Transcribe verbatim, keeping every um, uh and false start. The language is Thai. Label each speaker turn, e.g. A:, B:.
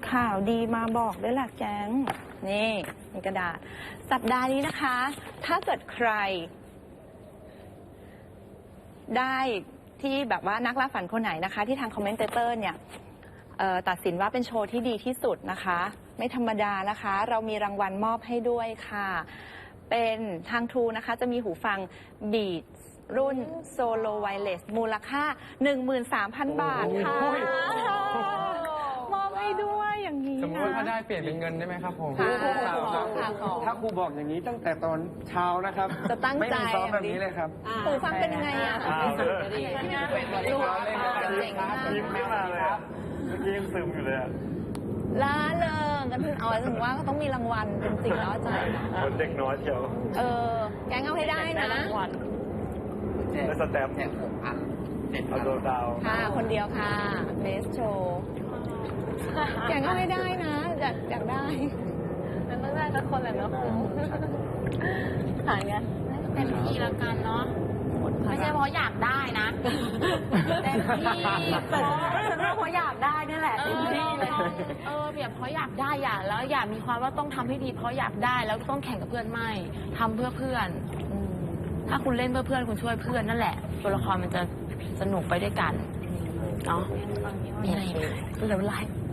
A: ข่าวดีมาบอกด้วยแหละแก๊งนี่มีกระดาษสัปดาห์นี้นะคะ ถ้าเกิดใคร ได้ที่แบบว่านักล่าฝันคนไหนนะคะ ที่ทางคอมเมนเตเตอร์เนี่ยตัดสินว่าเป็นโชว์ที่ดีที่สุดนะคะไม่ธรรมดานะคะเรามีรางวัลมอบให้ด้วยค่ะเป็นทาง True นะคะจะมีหูฟัง Beats รุ่น Solo Wireless มูลค่า หนึ่งหมื่นสามพัน บาทค่ะมอบให้ด้วยอย่างนี้นะสมมติว่าถ้าได้เปลี่ยนเป็นเงินได้ไหมครับผม
B: ถ้าครูบอกอย่างนี้ตั้งแต่ตอนเช้านะครับจะตั้งใจไม่มีซ้อมแบบนี้เลยครับ
A: หูฟังเป็นยังไงอ่ะ
C: ยิ้มไม่มาเลยครับเมื่อกี้ยังซึมอยู่เลย
A: ล้าเริงกันถึงเอาถึงว่าก็ต้องมีรางวัลเป็นสิ่งล้อใจ
C: คนเด็กน้อยเชียว
A: เออแกงเอาให้ได้นะ
C: และสแตมป์เอาโดดาว
A: ค่ะคนเดียวค่ะเบสโชว์แกงเอาให้ได้นะอยากอยากได้
D: มันต้องได้สักคนแหละเนาะหายเงี้ยเต็มที่แล้วกันเนาะไม่ใช่เพราะอยากได้นะเต็มที่เพราะฉันว่าเพราะอยากได้นี่แหละเต็มที่เลยเออแบบเพราะอยากได้อยากแล้วอยากมีความว่าต้องทำให้ดีเพราะอยากได้แล้วต้องแข่งกับเพื่อนไม่ทำเพื่อเพื่อนถ้าคุณเล่นเพื่อเพื่อนคุณช่วยเพื่อนนั่นแหละตัวละครมันจะสนุกไปด้วยกันเนาะมีอะไรไหมเดี๋ยวไลฟ์